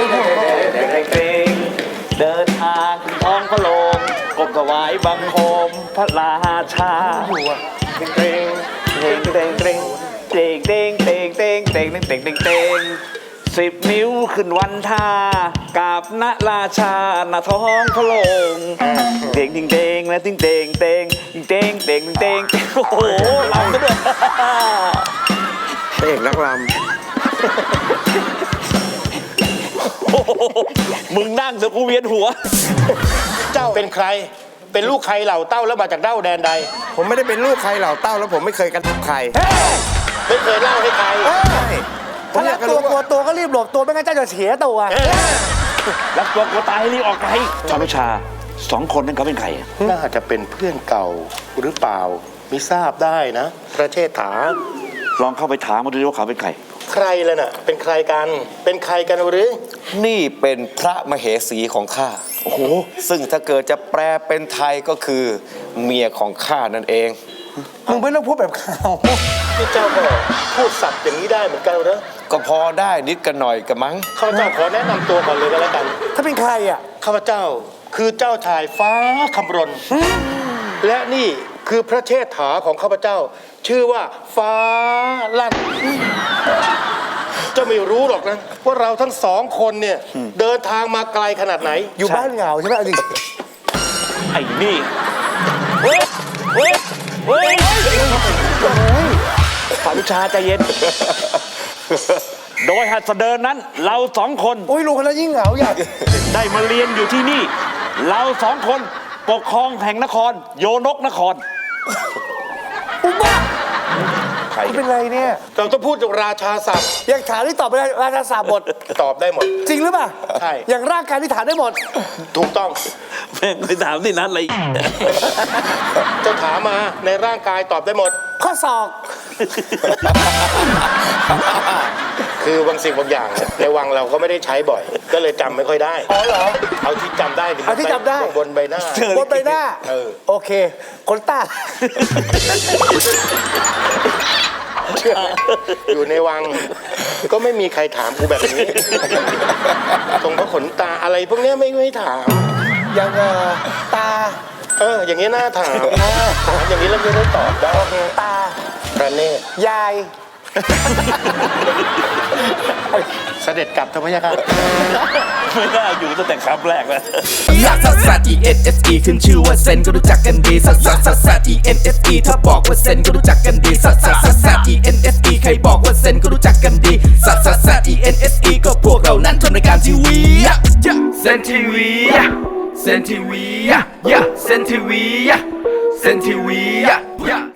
เดินทางท้องพระโรงกบถวายบังคมพระราชาเตงเตงเตงเตงเตงเตงเตงเตงเตงเตงเตงเตง10 นิ้วขึ้นวันท่ากราบณราชาณท้องพระโรงเตงเตงเตงและเตงเตงเตงเตงเตงเตงโอ้โหลำซะด้วยพระเอกนักรมึงนั่งเถอะกูเวียนหัวเจ้าเป็นใครเป็นลูกใครเหล่าเต้าแล้วมาจากเต้าแดนใดผมไม่ได้เป็นลูกใครเหล่าเต้าแล้วผมไม่เคยกันใครไม่เคยเล่าให้ใครถ้ารักตัวกลัวตัวก็รีบหลบตัวไม่งั้นเจ้าจะเสียตัวรักตัวกลัวตายให้รีบออกไปจอมชา2 คนนั้นเขาเป็นใครน่าจะเป็นเพื่อนเก่าหรือเปล่ามิทราบได้นะพระเชษฐาลองเข้าไปถามมาดูว่าเขาเป็นใครใครล่ะน่ะเป็นใครกันเป็นใครกันหรือนี่เป็นพระมเหสีของข้าโอ้โหซึ่งถ้าเกิดจะแปลเป็นไทยก็คือเมียของข้านั่นเองมึงไม่ต้องพูดแบบเขาที่เจ้าก็พูดสับอย่างนี้ได้เหมือนกันเหรอก็พอได้นิดกันหน่อยกันมั้งข้าพเจ้าขอแนะนำตัวก่อนเลยก็แล้วกันถ้าเป็นใครอ่ะข้าพเจ้าคือเจ้าชายฟ้าคำรณและนี่คือพระเชษฐาของข้าพเจ้าชื่อว่าฟ้าลั่นเจ้าไม่รู้หรอกนะว่าเราทั้ง2 คนเนี่ยเดินทางมาไกลขนาดไหนอยู่บ้านเหงาใช่ไหมจริงไอ้นี่เฮ้ยเฮ้ยเฮ้ยฝ่าวิชาใจเย็นโดยหัดเดินนั้นเรา2 คนโอ้ยลุงคนนั้นยิ่งเหงาใหญ่ได้มาเรียนอยู่ที่นี่เรา2 คนปกครองแห่งนครโยนกนครอุ๊บ้าใครเป็นไรเนี่ยเราต้องพูดราชาศัพท์อย่างฐานที่ตอบไปได้ราชาศัพท์หมดตอบได้หมดจริงหรือเปล่าใช่อย่างร่างกายที่ฐานได้หมดถูกต้องแม่งไปถามที่นั้นอะไรเจ้าถามมาในร่างกายตอบได้หมดข้อศอกคือบางสิ่งบางอย่างในวังเราก็ไม่ได้ใช้บ่อยก็เลยจำไม่ค่อยได้อ๋อเหรอเอาที่จำได้เอาที่จำได้บนใบหน้าบนใบหน้าโอเคขนตาอยู่ในวังก็ไม่มีใครถามกูแบบนี้ตรงพระขนตาอะไรพวกนี้ไม่ถามอย่างตาอย่างนี้น่าถามอย่างนี้เราจะได้ตอบได้ตาประเนศยายเสด็จกลับทำไมครับไม่น่าอยู่ตั้งแต่คำแรกแล้วลักซัสซัส ENSE ขึ้นชื่อว่าเซนก็รู้จักกันดีซัสซัสซัสซัส ENSE ถ้าบอกว่าเซนก็รู้จักกันดีซัสซัสซัสซัส ENSE ใครบอกว่าเซนก็รู้จักกันดีซัสซัสซัส ENSE ก็พวกเรานั้นทำรายการทีวีเซนทีวีเซนทีวีเซนทีวีเซนทีวี